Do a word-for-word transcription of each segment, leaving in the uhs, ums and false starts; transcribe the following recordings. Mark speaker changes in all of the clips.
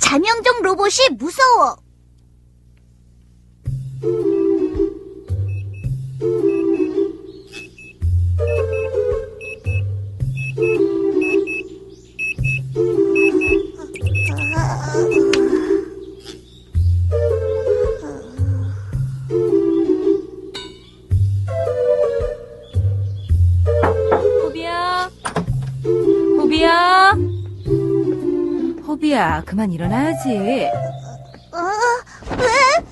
Speaker 1: 자명종 로봇이 무서워.
Speaker 2: 호비야, 호비야, 호비야, 그만 일어나야지.
Speaker 1: 어, 왜?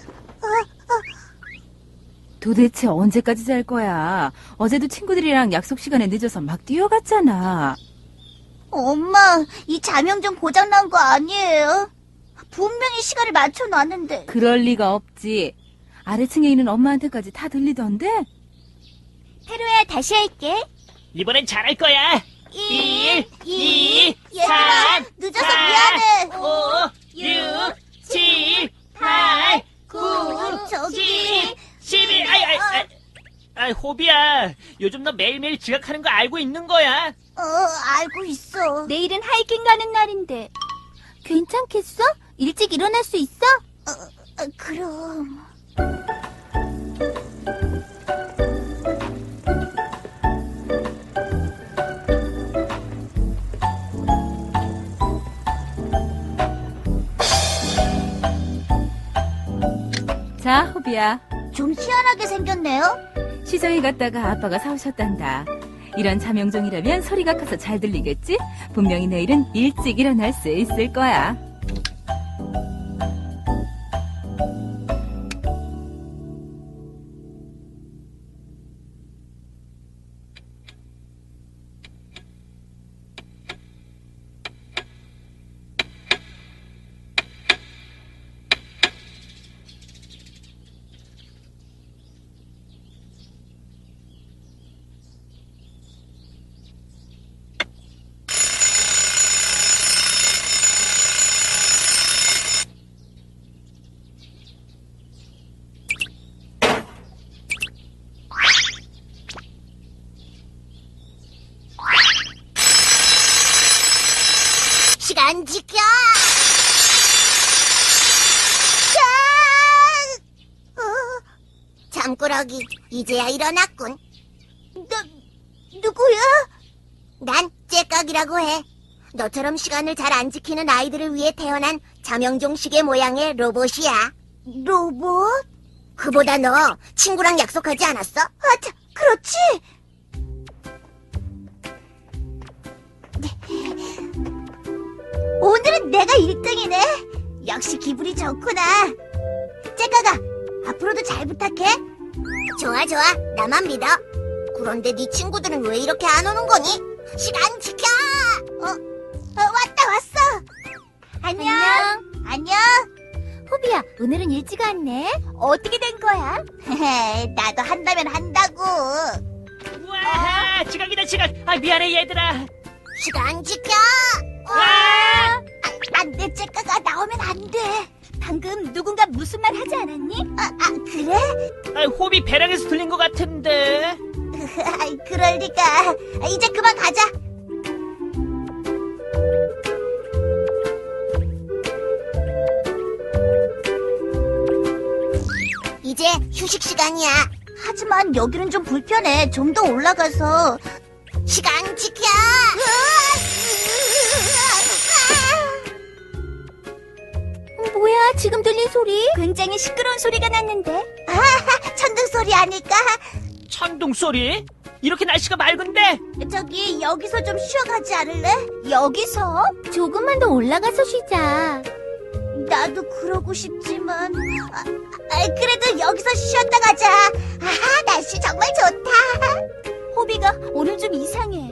Speaker 2: 도대체 언제까지 잘 거야? 어제도 친구들이랑 약속 시간에 늦어서 막 뛰어갔잖아.
Speaker 1: 엄마, 이 자명종 고장난 거 아니에요? 분명히 시간을 맞춰놨는데.
Speaker 2: 그럴 리가 없지. 아래층에 있는 엄마한테까지 다 들리던데?
Speaker 1: 페로야, 다시 할게.
Speaker 3: 이번엔 잘할 거야.
Speaker 1: 일,
Speaker 3: 이,
Speaker 1: 얘들아,
Speaker 3: 삼,
Speaker 1: 늦어서
Speaker 3: 사,
Speaker 1: 미안해.
Speaker 3: 오, 육, 칠, 팔, 구,
Speaker 1: 저기.
Speaker 3: 십, 십일. 아이, 아이, 아이. 아이, 호비야. 요즘 너 매일매일 지각하는 거 알고 있는 거야.
Speaker 1: 어, 알고 있어. 내일은 하이킹 가는 날인데. 괜찮겠어? 일찍 일어날 수 있어? 어, 어 그럼.
Speaker 2: 자, 호비야.
Speaker 1: 좀 희한하게 생겼네요.
Speaker 2: 시장에 갔다가 아빠가 사오셨단다. 이런 자명종이라면 소리가 커서 잘 들리겠지? 분명히 내일은 일찍 일어날 수 있을 거야.
Speaker 1: 시간 지켜! 자! 어, 잠꾸러기, 이제야 일어났군. 너, 누구야? 난 째깍이라고 해. 너처럼 시간을 잘 안 지키는 아이들을 위해 태어난 자명종 시계 모양의 로봇이야. 로봇? 그보다 너 친구랑 약속하지 않았어? 아, 자, 그렇지! 오늘은 내가 일 등이네. 역시 기분이 좋구나. 째까가, 앞으로도 잘 부탁해. 좋아, 좋아. 나만 믿어. 그런데 네 친구들은 왜 이렇게 안 오는 거니? 시간 지켜! 어, 어 왔다, 왔어. 안녕. 안녕. 호비야, 오늘은 일찍 왔네. 어떻게 된 거야? 나도 한다면 한다고.
Speaker 3: 우와, 지각이다, 지각. 아, 미안해, 얘들아.
Speaker 1: 시간 지켜!
Speaker 3: 와!
Speaker 1: 안 돼, 째까가 나오면 안 돼. 방금 누군가 무슨 말 하지 않았니? 아, 아 그래?
Speaker 3: 아, 호비 배랑에서 들린 것 같은데.
Speaker 1: 그럴 리가. 이제 그만 가자. 이제 휴식 시간이야. 하지만 여기는 좀 불편해. 좀 더 올라가서. 시간 지켜! 뭐야, 지금 들린 소리? 굉장히 시끄러운 소리가 났는데. 아, 천둥 소리 아닐까?
Speaker 3: 천둥 소리? 이렇게 날씨가 맑은데?
Speaker 1: 저기, 여기서 좀 쉬어가지 않을래? 여기서? 조금만 더 올라가서 쉬자. 나도 그러고 싶지만. 아, 아, 그래도 여기서 쉬었다 가자. 아, 날씨 정말 좋다. 호비가 오늘 좀 이상해.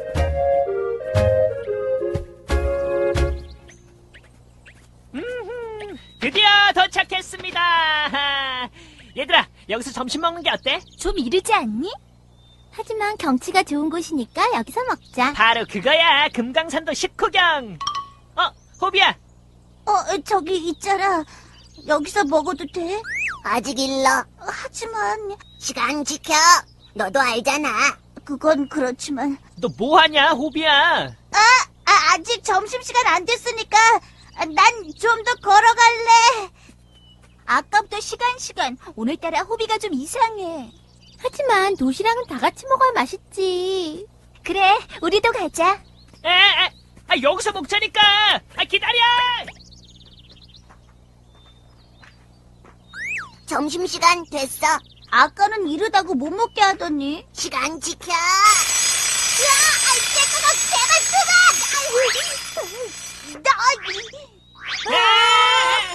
Speaker 3: 드디어 도착했습니다. 얘들아, 여기서 점심 먹는 게 어때?
Speaker 1: 좀 이르지 않니? 하지만 경치가 좋은 곳이니까 여기서 먹자.
Speaker 3: 바로 그거야. 금강산도 식후경. 어, 호비야.
Speaker 1: 어, 저기 있잖아. 여기서 먹어도 돼? 아직 일러. 하지만 시간 지켜. 너도 알잖아. 그건 그렇지만.
Speaker 3: 너 뭐하냐, 호비야?
Speaker 1: 아, 아 아직 점심시간 안 됐으니까 난 좀 더 걸어갈래. 아까부터 시간 시간. 오늘따라 호비가 좀 이상해.
Speaker 4: 하지만 도시락은 다 같이 먹어야 맛있지.
Speaker 1: 그래, 우리도 가자.
Speaker 3: 에, 에, 아, 여기서 먹자니까. 아, 기다려.
Speaker 1: 점심시간 됐어. 아까는 이르다고 못 먹게 하더니. 시간 지켜. 으아, 째꺼가 제발 그만! 너,
Speaker 3: 아!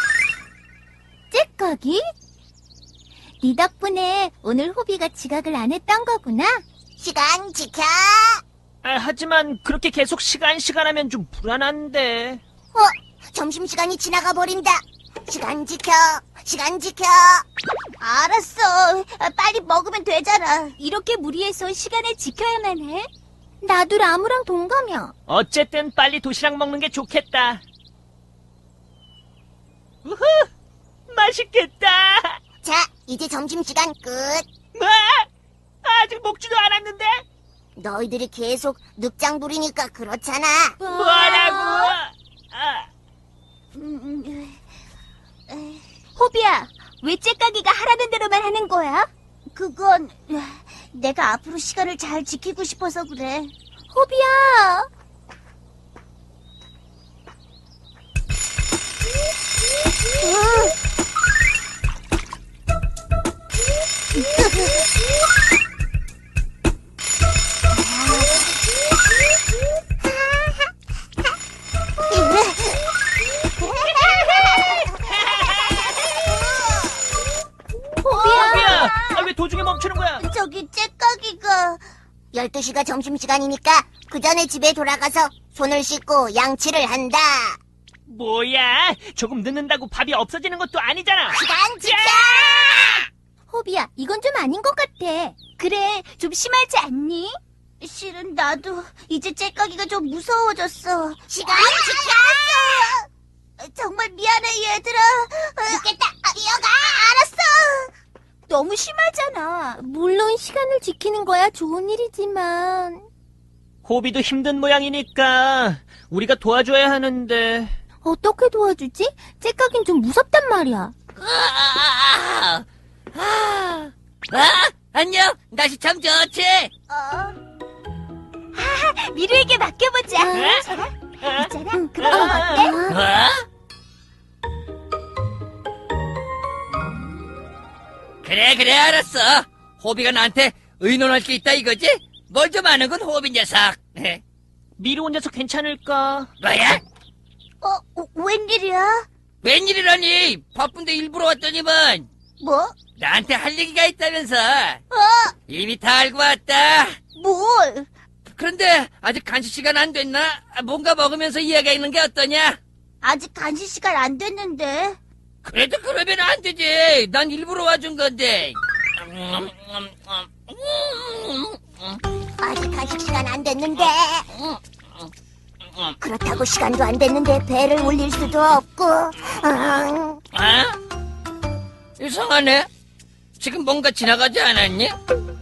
Speaker 4: 째꺼기? 네 덕분에 오늘 호비가 지각을 안 했던 거구나.
Speaker 1: 시간 지켜.
Speaker 3: 아, 하지만 그렇게 계속 시간 시간 하면 좀 불안한데.
Speaker 1: 어, 점심시간이 지나가 버린다. 시간 지켜. 시간 지켜. 알았어. 아, 빨리 먹으면 되잖아.
Speaker 4: 이렇게 무리해서 시간을 지켜야만 해? 나도 라무랑 동감이야.
Speaker 3: 어쨌든 빨리 도시락 먹는 게 좋겠다. 우후! 맛있겠다.
Speaker 1: 자, 이제 점심시간 끝.
Speaker 3: 뭐? 아직 먹지도 않았는데?
Speaker 1: 너희들이 계속 늑장 부리니까 그렇잖아.
Speaker 3: 뭐라고? 아,
Speaker 4: 호비야, 왜 째까기가 하라는 대로만 하는 거야?
Speaker 1: 그건 내가 앞으로 시간을 잘 지키고 싶어서 그래.
Speaker 4: 호비야.
Speaker 3: 호비야! 아, 왜 도중에 멈추는 거야?
Speaker 1: 저기 째까기가 열두 시가 점심시간이니까 그 전에 집에 돌아가서 손을 씻고 양치를 한다.
Speaker 3: 뭐야? 조금 늦는다고 밥이 없어지는 것도 아니잖아.
Speaker 1: 시간 지켜!
Speaker 4: 호비야, 이건 좀 아닌 것 같아. 그래, 좀 심하지 않니?
Speaker 1: 실은 나도 이제 째까기가 좀 무서워졌어. 시간 지켜! 정말 미안해 얘들아. 늦겠다. 뛰어가. 알았어.
Speaker 4: 너무 심하잖아. 물론 시간을 지키는 거야 좋은 일이지만.
Speaker 3: 호비도 힘든 모양이니까 우리가 도와줘야 하는데.
Speaker 4: 어떻게 도와주지? 째까긴 좀 무섭단 말이야.
Speaker 5: 아, 아, 아, 안녕. 날씨 참 좋지?
Speaker 1: 어?
Speaker 4: 미루에게 맡겨보자.
Speaker 3: 에? 에?
Speaker 4: 있잖아. 응, 그럼 어때?
Speaker 5: 어? 그래, 그래, 알았어. 호비가 나한테 의논할 게 있다 이거지? 뭘 좀 아는 건 호비 녀석.
Speaker 3: 미루 혼자서 괜찮을까?
Speaker 5: 뭐야?
Speaker 1: 어? 웬일이야?
Speaker 5: 웬일이라니? 바쁜데 일부러 왔더니만.
Speaker 1: 뭐?
Speaker 5: 나한테 할 얘기가 있다면서.
Speaker 1: 어?
Speaker 5: 이미 다 알고 왔다.
Speaker 1: 뭘?
Speaker 5: 그런데 아직 간식 시간 안 됐나? 뭔가 먹으면서 이야기하는 게 어떠냐?
Speaker 1: 아직 간식 시간 안 됐는데.
Speaker 5: 그래도 그러면 안 되지. 난 일부러 와준 건데.
Speaker 1: 아직 간식 시간 안 됐는데. 그렇다고 시간도 안 됐는데 배를 올릴 수도 없고. 응.
Speaker 5: 아? 이상하네. 지금 뭔가 지나가지 않았니?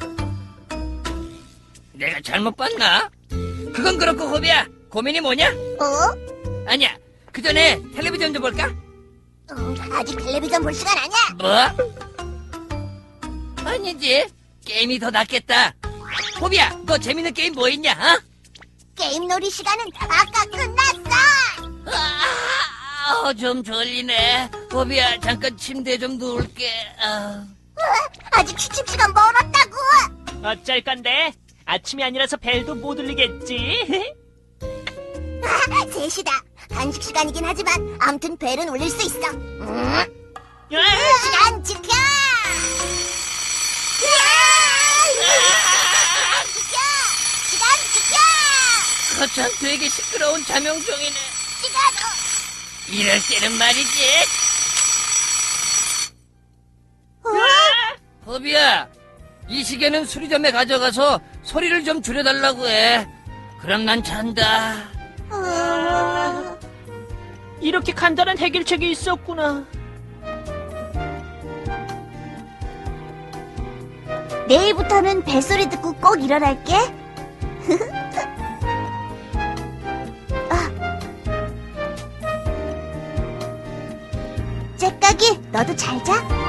Speaker 5: 내가 잘못 봤나? 그건 그렇고 호비야. 고민이 뭐냐?
Speaker 1: 어?
Speaker 5: 아니야. 그 전에 텔레비전 좀 볼까?
Speaker 1: 음, 아직 텔레비전 볼 시간 아니야.
Speaker 5: 뭐? 아니지. 게임이 더 낫겠다. 호비야, 너 재밌는 게임 뭐 있냐? 어?
Speaker 1: 게임 놀이 시간은 아까 끝났어.
Speaker 5: 아, 어, 좀 졸리네. 호비야, 잠깐 침대에 좀 누울게. 아.
Speaker 1: 아직 취침 시간 멀었다고.
Speaker 3: 어쩔 건데? 아침이 아니라서 벨도 못 울리겠지?
Speaker 1: 아, 셋이다. 간식 시간이긴 하지만 아무튼 벨은 올릴 수 있어. 음.
Speaker 3: 아!
Speaker 1: 시간 지켜. 지켜. 시간 지켜.
Speaker 5: 거참 되게 시끄러운 자명종이네.
Speaker 1: 시간. 어.
Speaker 5: 이럴 때는 말이지.
Speaker 1: 어?
Speaker 5: 호비야, 이 시계는 수리점에 가져가서 소리를 좀 줄여달라고 해. 그럼 난 잔다.
Speaker 1: 어.
Speaker 3: 이렇게 간단한 해결책이 있었구나.
Speaker 1: 내일부터는 벨소리 듣고 꼭 일어날게. 아. 째까기, 너도 잘 자.